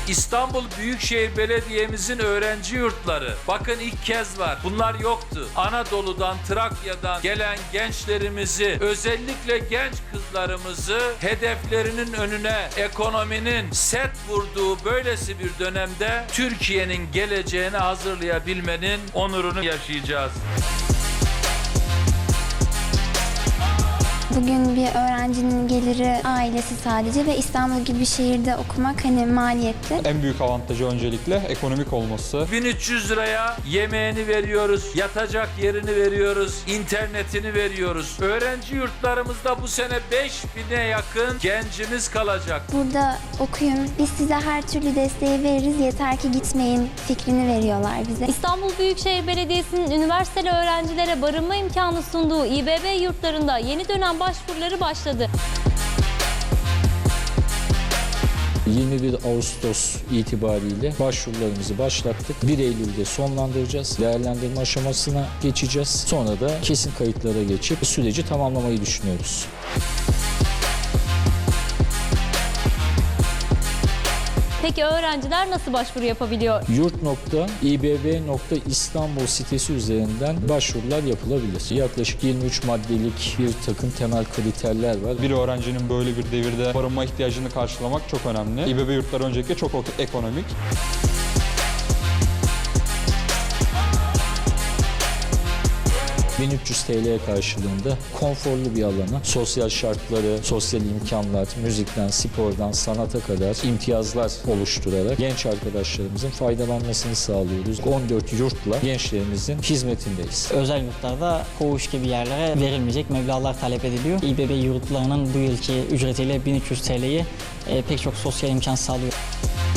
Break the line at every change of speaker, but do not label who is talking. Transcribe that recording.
İstanbul Büyükşehir Belediye'mizin öğrenci yurtları. Bakın ilk kez var. Bunlar yoktu. Anadolu'dan, Trakya'dan gelen gençlerimizi, özellikle genç kızlarımızı hedeflerinin önüne ekonominin set vurduğu böylesi bir dönemde Türkiye'nin geleceğini hazırlayabilmenin onurunu yaşayacağız.
Bugün bir öğrencinin geliri ailesi sadece ve İstanbul gibi bir şehirde okumak hani maliyetli.
En büyük avantajı öncelikle ekonomik olması.
1300 liraya yemeğini veriyoruz, yatacak yerini veriyoruz, internetini veriyoruz. Öğrenci yurtlarımızda bu sene 5000'e yakın gencimiz kalacak.
Burada okuyun, biz size her türlü desteği veririz, yeter ki gitmeyin fikrini veriyorlar bize.
İstanbul Büyükşehir Belediyesi'nin üniversiteli öğrencilere barınma imkanı sunduğu İBB yurtlarında yeni dönem başvuruları başladı.
21 Ağustos itibariyle başvurularımızı başlattık. 1 Eylül'de sonlandıracağız. Değerlendirme aşamasına geçeceğiz. Sonra da kesin kayıtlara geçip süreci tamamlamayı düşünüyoruz.
Peki öğrenciler nasıl başvuru yapabiliyor?
Yurt.ibb.istanbul sitesi üzerinden başvurular yapılabilir. Yaklaşık 23 maddelik bir takım temel kriterler var.
Bir öğrencinin böyle bir devirde barınma ihtiyacını karşılamak çok önemli. İBB yurtları öncelikle çok ekonomik.
...1300 TL'ye karşılığında konforlu bir alana, sosyal şartları, sosyal imkanlar, müzikten, spordan, sanata kadar imtiyazlar oluşturarak genç arkadaşlarımızın faydalanmasını sağlıyoruz. 14 yurtla gençlerimizin hizmetindeyiz.
Özel yurtlarda koğuş gibi yerlere verilmeyecek meblağlar talep ediliyor. İBB yurtlarının bu yılki ücretiyle 1300 TL'yi pek çok sosyal imkan sağlıyor.